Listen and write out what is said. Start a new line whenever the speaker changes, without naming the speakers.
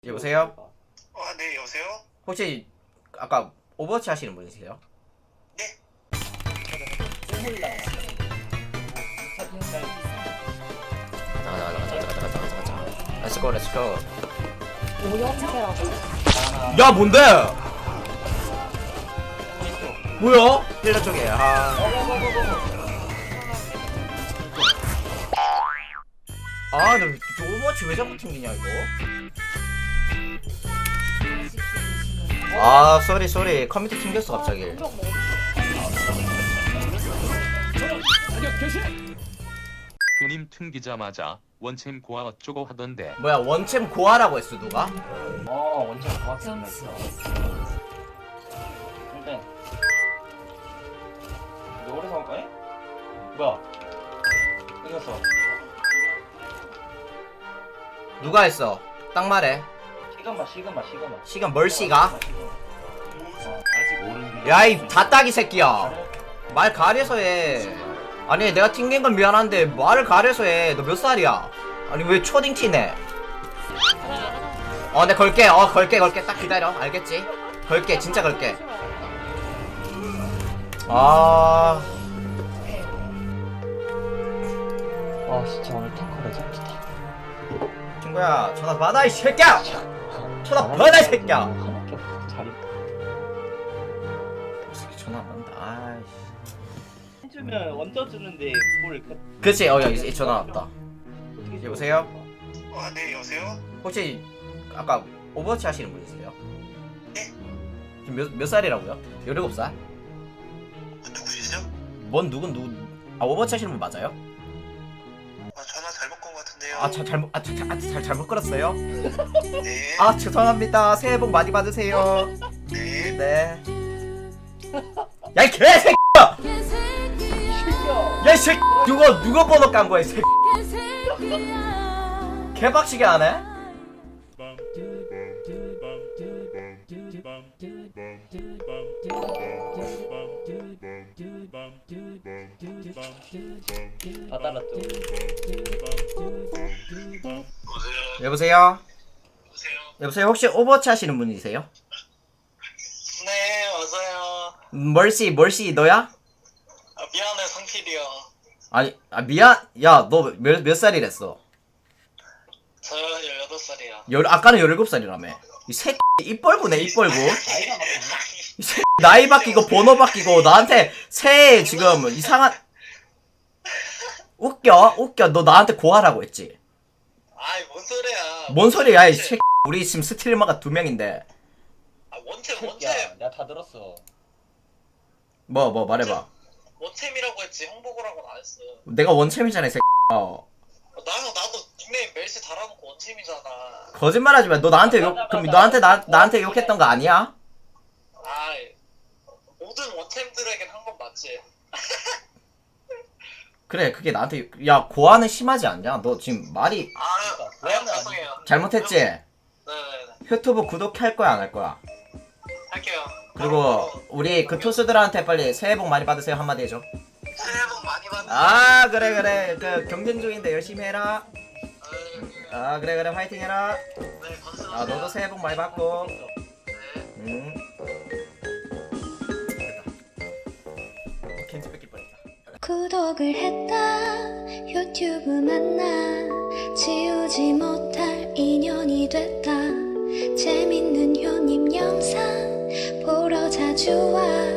여보세요?
네, 여보세요?
혹시 아까 오버워치 하시는 분이세요?
네.
가자. 렛츠고 렛츠고.
오염체라고.
야 뭔데? 뭐야? 힐러 쪽에. 너 오버워치 왜 자꾸 튕기냐 이거? 쏘리 컴퓨터 튕겼어 갑자기.
그님 튕기자마자 원챔 고아 어쩌고 하던데.
뭐야 원챔 고하라고 했어 누가?
원점 고맙습니다. 근데 이거 오래 사올 거야? 뭐야? 이겼어.
누가 했어? 딱 말해.
시그마.
시간 멀씨가?
아직 모르는.
야이 다따기 새끼야. 말 가려서 해. 아니 내가 튕긴 건 미안한데 말을 가려서 해. 너 몇 살이야? 아니 왜 초딩 티네? 내 걸게. 걸게. 딱 기다려. 알겠지? 걸게. 진짜 걸게.
와 진짜 오늘 탱커 레전드다.
친구야 전화 받아 이 새끼야. 전화 받아 이 새끼야.
하나밖에 없어. 자리.
이 새끼 전화 안 받는다. 아이씨.
해주면 원저 주는데 뭘
그치 여기 전화 왔다. 여보세요?
네, 여보세요?
혹시 아까 오버워치 하시는 분이세요?
네.
지금 몇 살이라고요? 17살?
누구시죠?
뭔 누군 누구? 오버워치 하시는 분 맞아요?
전화 잘못 건 것 같은데요.
잘못 걸었어요?
네.
죄송합니다. 새해 복 많이 받으세요.
네.
네. 야 이 개새끼야! 야 이 새끼 누가 번호 깐 거야 이 새끼. 개박치게 하네?
다 달랐죠.
여보세요?
여보세요?
여보세요? 혹시 오버워치 하시는 분이세요?
네, 맞아요.
멀씨 너야?
미안해, 성필이요.
아니 미안. 야 너 몇 살이랬어?
저 18살이요.
아까는 17살이라며. 이 새끼 입벌구네 입벌구.
나이가 막
이 새끼 나이 바뀌고 번호 바뀌고 나한테 새해 지금 이상한. 웃겨. 너 나한테 고하라고 했지?
뭔 소리야.
뭔 소리야 이 새끼. 우리 지금 스트리머가 2명인데.
원챔.
내가 다 들었어.
뭐 말해봐.
원챔이라고 했지, 형보고라고는 안 했어.
내가 원챔이잖아 이 새끼.
나도 닉네임 멜시 달아놓고 원챔이잖아.
거짓말하지 마. 너 나한테 그럼 나한테 욕했던 거 아니야?
모든 원챔들에겐 한 건 맞지.
그래 그게 나한테 야 고하는 심하지 않냐? 너 지금 말이
죄송해요.
잘못했지?
네네네.
유튜브 구독할 거야 안 할 거야?
할게요.
그리고 우리 그 투수들한테 빨리 새해 복 많이 받으세요 한마디 해줘.
새해 복 많이 받으세요.
그래 그 경쟁 중인데 열심히 해라. 그래 화이팅 해라.
네, 감사합니다.
너도 새해 복 많이 받고.
네.
됐다. 캔치 뺏길 뻔했다.
구독을 했다. 유튜브 만나 지우지 못할 인연이 됐다. 재밌는 효님 영상 보러 자주 와.